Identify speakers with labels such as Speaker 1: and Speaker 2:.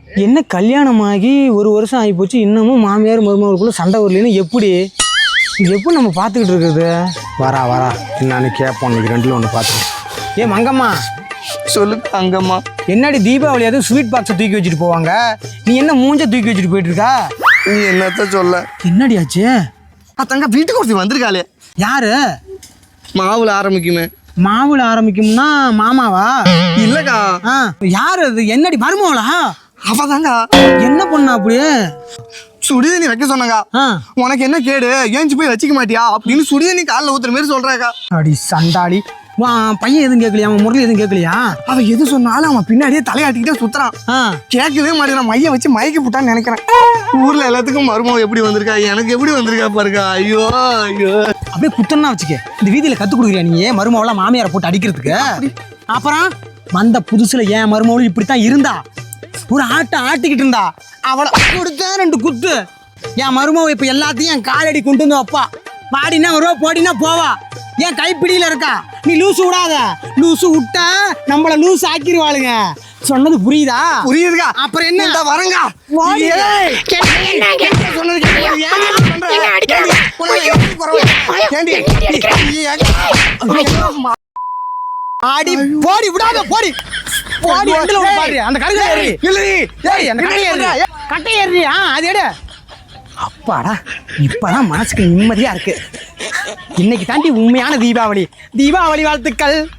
Speaker 1: என்ன கல்யாணமாகி ஒரு வருஷம் ஆகி போச்சு, இன்னமும் மாமியார் மருமகளுக்குள்ள சண்டை வரலன்னு எப்படி நம்ம பார்த்துக்கிட்டு இருக்குது? வரா என்னன்னு கேட்போம். இன்னைக்கு ரெண்டுல ஒன்று பார்த்துக்கேன். ஏ மங்கம்மா,
Speaker 2: சொல்லு அங்கம்மா.
Speaker 1: என்னடி தீபாவளி அதுவும் ஸ்வீட் பாக்ஸை தூக்கி வச்சுட்டு போவாங்க, நீ என்ன மூஞ்ச தூக்கி வச்சுட்டு போயிட்டு இருக்கா?
Speaker 2: நீ என்னத்த சொல்ல?
Speaker 1: என்னடி ஆச்சு?
Speaker 2: தங்க வீட்டுக்கு ஒருத்தி வந்திருக்காளே.
Speaker 1: யாரு?
Speaker 2: மாவுல ஆரம்பிக்குமே.
Speaker 1: மாவுல ஆரம்பிக்கும்னா மாமாவா?
Speaker 2: இல்லக்கா.
Speaker 1: யாரு அது? என்னடி மருமகளா?
Speaker 2: அவதாங்க.
Speaker 1: என்ன பண்ணா அப்படியே?
Speaker 2: சுடுதண்ணி வைக்க சொன்னாங்க. உனக்கு என்ன கேடு, ஏஞ்சி போய் வச்சுக்க மாட்டியா அப்படின்னு சுடுதண்ணி காலில் ஊத்துற மாதிரி சொல்றாக்கா.
Speaker 1: அடி சண்டாளி, பையன் எதுவும் கேட்கலையா? அவன் முரளி எதுவும் கேட்கலையா?
Speaker 2: அவன் எது சொன்னாலும் அவன் பின்னாடியே தலையாட்டிக்கிட்டே சுத்துறான். கேட்கவே மாட்டேன். மைய வச்சு மயக்கி போட்டான்னு நினைக்கிறேன். ஊர்ல எல்லாத்துக்கும் மருமகம் எப்படி வந்திருக்கா, எனக்கு எப்படி வந்திருக்கா பாருக்கா. ஐயோ ஐயோ,
Speaker 1: அப்படியே குத்தன்னா வச்சுக்க. இந்த வீதியில கத்து கொடுக்குறியா நீ மருமவெல்லாம் மாமியாரை போட்டு அடிக்கிறதுக்கு? அப்புறம் வந்த புதுசுல ஏன் மருமவளும் இப்படித்தான் இருந்தா, ஒரு ஆட்டிக்கிட்டு இருந்தா. அவளை கொடுத்தா 2 குத்து. என் மருமவ இப்ப எல்லாத்தையும் என் காலடி கொண்டு வந்து வைப்பா. பாடினா வருவா, போடினா போவா. என் கைப்பிடியில இருக்கா. நீ லூசு விடாத. லூசு விட்டா நம்மள லூசு ஆக்கிடுவாளுங்க. சொன்னது புரியுதா?
Speaker 2: புரியுதுக்கா.
Speaker 1: அப்புறம் என்ன
Speaker 2: வரங்க.
Speaker 1: ஆடி போடி விடாத, போடி போடி. அந்த கட்டை ஏறி அது எடு. அப்பாடா, இப்பதான் மனசுக்கு நிம்மதியா இருக்கு. இன்னைக்கு தாண்டி உண்மையான தீபாவளி. தீபாவளி வாழ்த்துக்கள்.